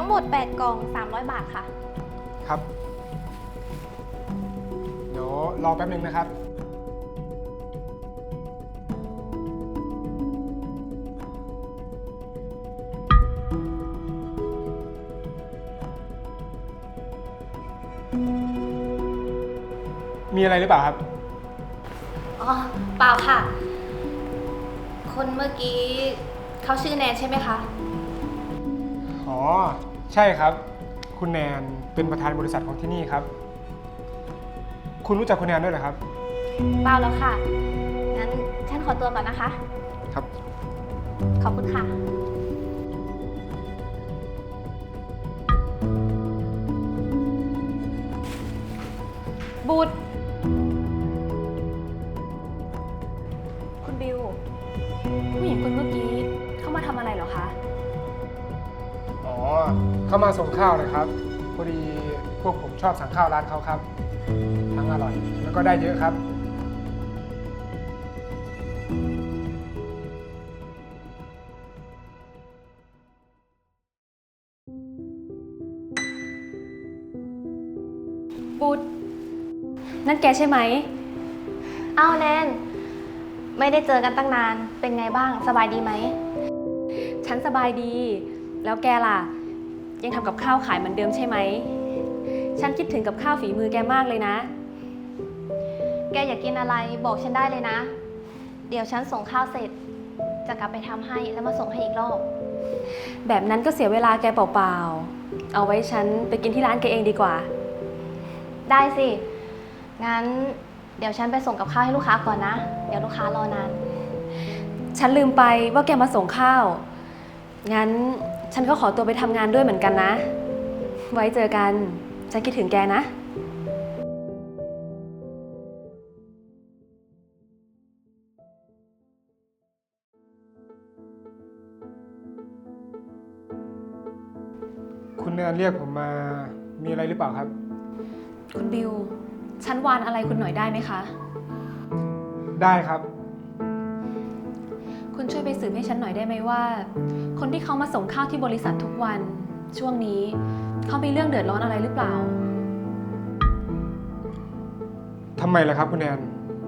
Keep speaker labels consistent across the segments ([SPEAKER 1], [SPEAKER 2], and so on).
[SPEAKER 1] หมด8กล่อง300 บาทค่ะ
[SPEAKER 2] ครับ เดี๋ยวรอแป๊บนึงนะครับ มีอะไรหรือเปล่าครับ
[SPEAKER 1] อ๋อเปล่าค่ะ คนเมื่อกี้เขาชื่อแนนใช่ไหมคะ
[SPEAKER 2] อ๋อ ใช่ครับ คุณแนนเป็นประธานบริษัทของที่นี่ครับ คุณรู้จักคุณแนนด้วยเหรอครับ
[SPEAKER 1] เปล่าแล้วค่ะ งั้นฉันขอตัวก่อนนะคะ
[SPEAKER 2] ครับ
[SPEAKER 1] ขอบคุณค่ะ
[SPEAKER 3] บูดคุณบิว ผู้หญิงคนเมื่อกี้เข้ามาทำอะไรเหรอคะ
[SPEAKER 2] อ๋อ เข้ามาส่งข้าวนะครับ พอดีพวกผมชอบสั่งข้าวร้านเขาครับ ทั้งอร่อย แล้วก็ได้เยอะครับ
[SPEAKER 3] บูดนั่นแกใช่ไหม
[SPEAKER 1] อ้าวแนน ไม่ได้เจอกันตั้งนาน เป็นไงบ้าง สบายดีไหม
[SPEAKER 3] ฉันสบายดี แล้วแกล่ะ ยังทำกับข้าวขายเหมือนเดิมใช่ไหม ฉันคิดถึงกับข้าวฝีมือแกมากเลยนะ
[SPEAKER 1] แกอยากกินอะไรบอกฉันได้เลยนะ เดี๋ยวฉันส่งข้าวเสร็จ จะกลับไปทำให้แล้วมาส่งให้อีกรอบ
[SPEAKER 3] แบบนั้นก็เสียเวลาแกเปล่าๆ เอาไว้ฉันไปกินที่ร้านแกเองดีกว่า
[SPEAKER 1] ได้สิ งั้นเดี๋ยวฉันไปส่งกับข้าวให้ลูกค้าก่อนนะ เดี๋ยวลูกค้ารอนาน
[SPEAKER 3] ฉันลืมไปว่าแกมาส่งข้าว งั้นฉันก็ขอตัวไปทำงานด้วยเหมือนกันนะ ไว้เจอกัน ฉันคิดถึงแกนะ
[SPEAKER 2] คุณแนนเรียกผมมา มีอะไรหรือเปล่าครับ
[SPEAKER 3] คุณบิว ฉันวานอะไรคุณหน่อยได้ไหมคะ
[SPEAKER 2] ได้ครับ
[SPEAKER 3] คุณช่วยไปสืบให้ฉันหน่อยได้ไหมว่า คนที่เขามาส่งข้าวที่บริษัททุกวัน ช่วงนี้เขามีเรื่องเดือดร้อนอะไรหรือเปล่า
[SPEAKER 2] ทำไมล่ะครับคุณแนน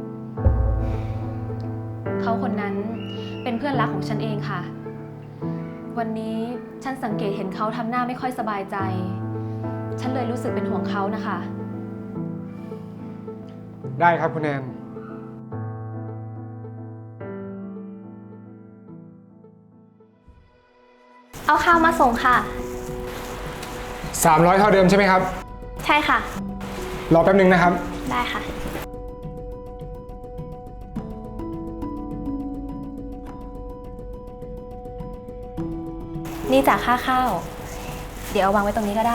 [SPEAKER 3] เขาคนนั้นเป็นเพื่อนรักของฉันเองค่ะ วันนี้ฉันสังเกตเห็นเขาทำหน้าไม่ค่อยสบายใจ ฉันเลยรู้สึกเป็นห่วงเขานะคะ
[SPEAKER 2] ได้ครับคุณแนน
[SPEAKER 1] เอาข้าวมาส่งค่ะ
[SPEAKER 2] 300 เท่าเดิมใช่ไหมครับ
[SPEAKER 1] ใช่ค่ะ
[SPEAKER 2] รอแป๊บนึงนะครับ
[SPEAKER 1] ได้ค่ะ
[SPEAKER 3] นี่จากค่าข้าว เดี๋ยวเอาวางไว้ตรงนี้ก็ได้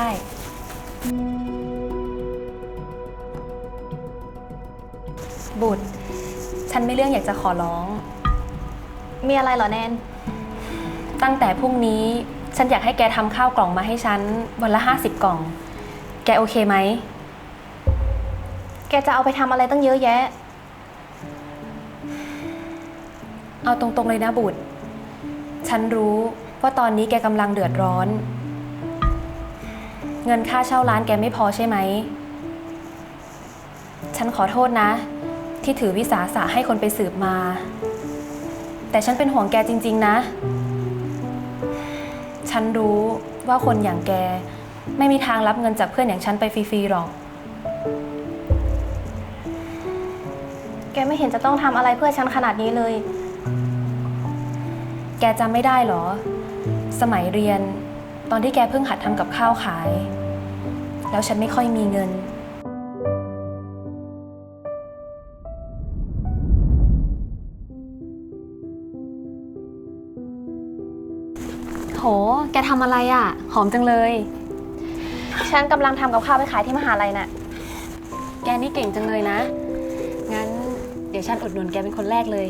[SPEAKER 3] บุตร ฉันไม่เรื่องอยากจะขอร้อง
[SPEAKER 1] มีอะไรเหรอแนน
[SPEAKER 3] ตั้งแต่พรุ่งนี้ฉันอยากให้แกทำข้าวกล่องมาให้ฉันวันละ50 กล่อง แกโอเคไหม
[SPEAKER 1] แกจะเอาไปทำอะไรตั้งเยอะแยะ
[SPEAKER 3] เอาตรงๆเลยนะบุตร ฉันรู้ว่าตอนนี้แกกำลังเดือดร้อน เงินค่าเช่าร้านแกไม่พอใช่ไหม ฉันขอโทษนะ ที่ถือวิสาสะให้คนไปสืบมา แต่ฉันเป็นห่วงแกจริงๆนะ ฉันรู้ว่าคนอย่างแกไม่มีทางรับเงินจากเพื่อนอย่างฉันไปฟรีๆหรอก
[SPEAKER 1] แกไม่เห็นจะต้องทำอะไรเพื่อฉันขนาดนี้เลย
[SPEAKER 3] แกจำไม่ได้เหรอ สมัยเรียนตอนที่แกเพิ่งหัดทำกับข้าวขาย แล้วฉันไม่ค่อยมีเงิน โห แกทำอะไรอ่ะ หอมจังเลย
[SPEAKER 1] ฉันกำลังทำกับข้าวไปขายที่มหาลัยน่ะ
[SPEAKER 3] แกนี่เก่งจังเลยนะ งั้นเดี๋ยวฉันอุดหนุนแกเป็นคนแรกเลย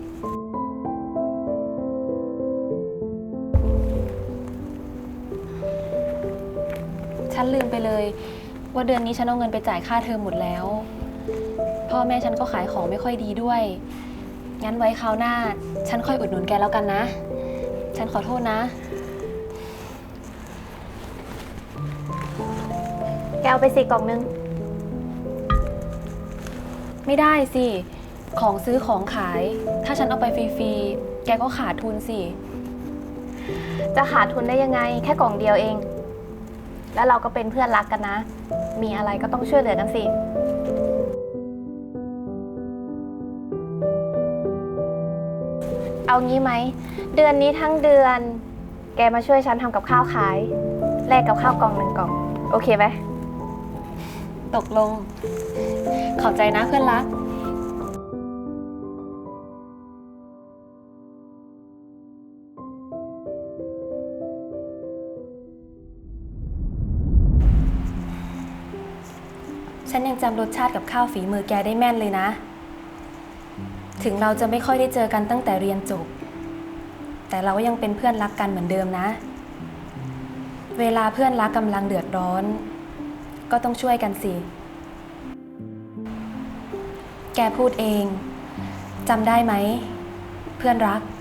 [SPEAKER 3] ฉันลืมไปเลยว่าเดือนนี้ฉันเอาเงินไปจ่ายค่าเทอมหมดแล้ว พ่อแม่ฉันก็ขายของไม่ค่อยดีด้วย งั้นไว้คราวหน้า ฉันค่อยอุดหนุนแกแล้วกันนะ ฉันขอโทษนะ
[SPEAKER 1] เอาไปสิกล่องนึง
[SPEAKER 3] ไม่ได้สิ ของซื้อของขาย ถ้าฉันเอาไปฟรีๆ แกก็ขาดทุนสิ
[SPEAKER 1] จะขาดทุนได้ยังไง แค่กล่องเดียวเอง แล้วเราก็เป็นเพื่อนรักกันนะ มีอะไรก็ต้องช่วยเหลือกันสิ เอางี้ไหม เดือนนี้ทั้งเดือน แกมาช่วยฉันทำกับข้าวขาย แลกกับข้าวกล่องหนึ่งกล่อง โอเคไหม
[SPEAKER 3] ตกลง ขอบใจนะเพื่อนรัก ฉันยังจำรสชาติกับข้าวฝีมือแกได้แม่นเลยนะ ถึงเราจะไม่ค่อยได้เจอกันตั้งแต่เรียนจบ แต่เราก็ยังเป็นเพื่อนรักกันเหมือนเดิมนะ เวลาเพื่อนรักกำลังเดือดร้อน ก็ต้องช่วยกันสิ แกพูดเอง จำได้ไหม เพื่อนรัก